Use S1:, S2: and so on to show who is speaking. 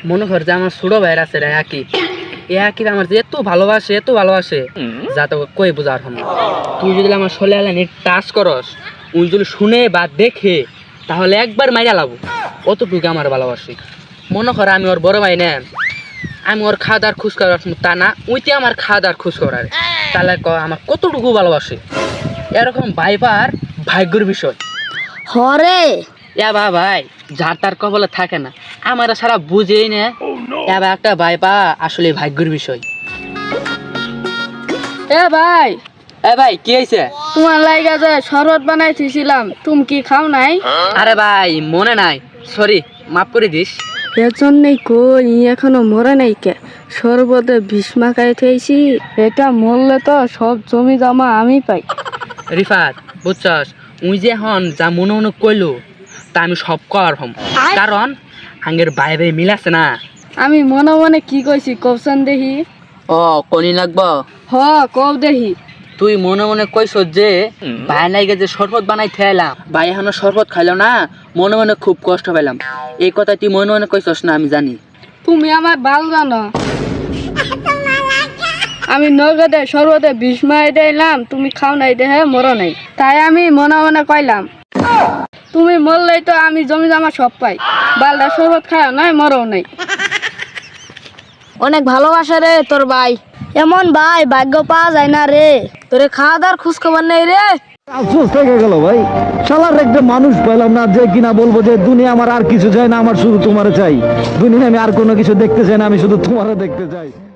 S1: মনে কর যে আমার ছোট ভাইয়ের আছে রে আকিব, এ আকিব আমার যে এত ভালোবাসে যা তো কই বোঝার হম। তুই যদি আমার শোলে আলানি টাচ করস, উনি যদি শুনে বা দেখে তাহলে একবার মাইরা লাবো, অতটুকু আমার ভালোবাসি। মনে কর আমি ওর বড় ভাই না, আমি ওর খাওয়া দাওয়ার খোঁজ করার তা না, উইতে আমার খাওয়া দাওয়ার খোঁজ করার, তাহলে আমার কতটুকু ভালোবাসে। এরকম ভাইবার ভাগ্যের বিষয়।
S2: হরে
S1: ভাই যার তার কবলে থাকে না, আমার সারা বুঝেই না। একটা ভাইবা আসলে ভাগ্যের বিষয়। ভাই কি হয়েছে?
S2: তোমার লাইগা যে শরবত বানাই থুইছিলাম, তুমি কি খাও নাই?
S1: আরে ভাই মনে নাই, সরি, মাফ করে দিস।
S2: এর জন্যই কই এখনো মরে নাই কে? শরবতে ভীষ্মা খাই থইছি, এটা মরলে তো সব জমি জমা আমি পাই।
S1: রিফাত বুঝছস, উই যে হন যা মনে মনে কইলো তা আমি সব কর হম, কারণ আঙ্গের বাইরে মিল আছে না।
S2: আমি মনে মনে কি কইছি কবসান দেহি?
S1: ও কনি লাগবো?
S2: হ কব দেহি।
S1: তুই মনে মনে কইস যে ভাই নাইগে যে শরবত বানাই খেলাম, ভাই এখনো শরবত খাইলো না, মনে মনে খুব কষ্ট পেলাম। এই কথা তুই মনে মনে কইছস না, আমি জানি।
S2: তুমি আমার ভালো জানো, আমি নগদে শরবতে ভীষ্মা দিলাম, তুমি খাও নাই দেহে মরো নাই, তাই আমি মনে মনে কইলাম তুমি মরলেই তো আমি জমি জমা সব পাই। বালদা শরবত খাও নাই, মরো নাই। অনেক ভালোবাসা রে তোর ভাই, এমন ভাই ভাগ্য পাওয়া যায় না রে। তোরে খাওয়া দাওয়ার খোঁজ খবর নেই রে।
S3: আফসোস থেকে গেল ভাই, শালার একটা মানুষ পেলাম না যে কিনা বলবো যে দুনিয়া আমার আর কিছু চাই না, আমার শুধু তোমার চাই। দুনিয়া আমি আর কোনো কিছু দেখতে চাই না, আমি শুধু তোমারে দেখতে চাই।